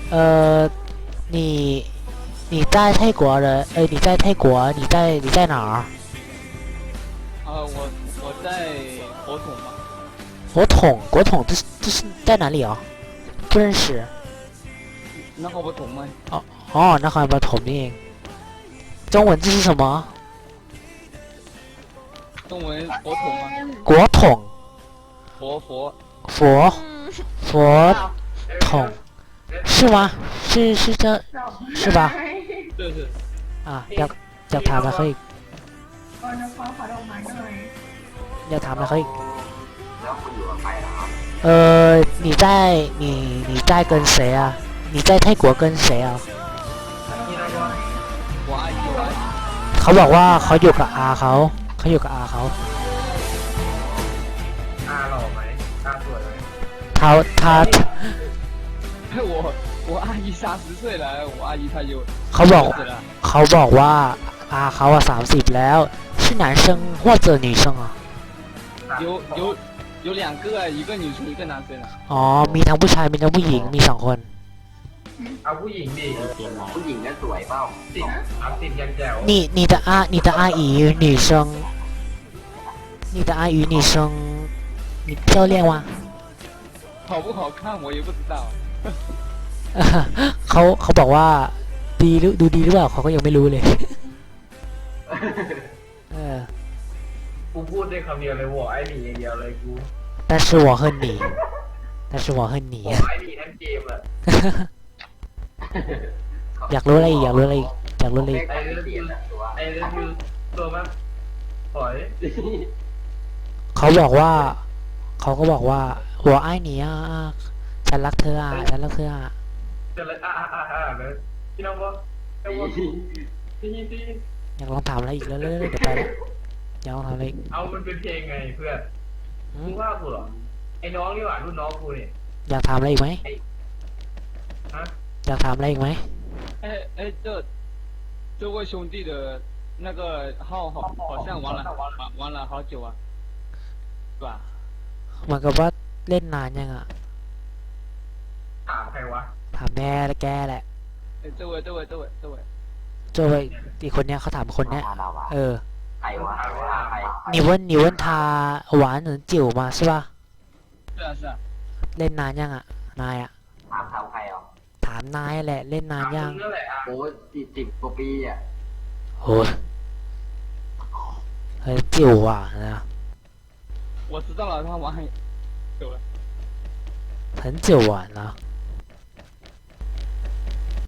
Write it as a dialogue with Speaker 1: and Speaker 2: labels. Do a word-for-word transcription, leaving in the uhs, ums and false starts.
Speaker 1: 呃，你你在泰国人，呃，你在泰国，你在你在哪儿？
Speaker 2: 呃，我我在火桶嘛。
Speaker 1: 国统，国统，这是这是在哪里啊？不认识。
Speaker 2: 那个不同吗？
Speaker 1: 哦哦，那还不统นี่เอง中文字是什么？
Speaker 2: 中文火桶吗？
Speaker 1: 国统，
Speaker 2: 佛佛。
Speaker 1: 佛佛统，是吗？是是这，是吧？
Speaker 2: 对对。
Speaker 1: 啊，อยากอยากถามอะไรเขาอีกอยากถามอะไรเขาอีก呃，你在你你在跟谁啊？你在泰国跟谁啊？
Speaker 2: 我阿姨我阿姨。
Speaker 1: เขาบอกว่าเขาอยู่กับอาเขาเขาอยู่กับอาเขา
Speaker 3: อาหล่อไหมอาสวยไหม
Speaker 1: 他他
Speaker 2: 我我阿姨三十岁了，我阿姨她有。
Speaker 1: เขาบอก
Speaker 2: 死了。
Speaker 1: เขาบอกว่าอาเขาอะสามสิบแล้ว是男生或者女生啊
Speaker 2: 有有有两个，一个女生一个男生啊。
Speaker 1: อ๋อมีทั้งผู้ชายมีทั้งผู้หญิงมีสองคน
Speaker 3: เอาผู้หญิงดิผู้หญิงก็สวยเปล่าติดเอาติดยังแจ๋ว
Speaker 1: 你你的阿你的阿姨女生你的阿姨女生你漂亮吗
Speaker 2: 好不好看我也不知道。
Speaker 1: เขาเขาบอกว่าดีหรือดูดีหรือเปล่าเขาก็ยังไม่รู้เลยเออ
Speaker 3: กูพูดได้คำเดียวเลยว่าไอ้หนีอย่างเดียวเลยกู
Speaker 1: 但是我恨你但是我恨你
Speaker 3: ไอ้หนีทั้งเกมอ่ะ
Speaker 1: อยากรู้อะไรอีกอยากรู้อะไรอีกอยากรู้อะไรอีก
Speaker 3: ไอ้เรื่องคือไอ้เรื่องคือตัวมันปล่อย
Speaker 1: เขาบอกว่าเขาก็บอกว่าหัวไอ้หนีอ่ะฉันรักเธออ่ะฉันรักเธออ่ะ
Speaker 3: จะเลยอ่าอ่าอ่าเลยพี่น้องว่าพี่น้องว่าพี่พี่
Speaker 1: อยากลองถามอะไรอีกแล้วเรื่อยๆเดี๋ยวไปแล้วอยากลองถามอะไรอีก
Speaker 3: เอามันเป็นเพลงไงเพื่อน
Speaker 1: หื
Speaker 3: มึ
Speaker 1: ม
Speaker 3: งว่ากูเหรอไอ้น้องนี่หว่ารุ่นน้องกูเนี่ย
Speaker 1: อยากถามอะไรอีกไหม
Speaker 3: ฮะ
Speaker 1: อยากถามอะไรอีกไหม
Speaker 2: 哎哎，这这位兄弟的那个号好好像玩了玩玩了好久啊，是吧？
Speaker 1: เหมือนกับว่าเล่นนานยังอ่ะ
Speaker 3: ถามใครวะ
Speaker 1: ถามแม่และแกแหละ
Speaker 2: 哎，这位这位这位这位。
Speaker 1: โจไปอีกคนเนี้ยเขาถามคนเนี้ยเออ
Speaker 3: ใครวะใคร
Speaker 1: 你问你问他玩很久吗是吧
Speaker 2: 是啊是啊。
Speaker 1: เล่นนานยังอ่ะนายอ่ะ
Speaker 3: ถามถามใครอ่ะ
Speaker 1: ถามนายแหละเล่นนานยัง
Speaker 3: นั่นแหละโอ้สิบสิบกว่าปีอ่ะ
Speaker 1: โห很久啊นะ
Speaker 2: 我知道了，他玩很久了。
Speaker 1: 很久啊นะ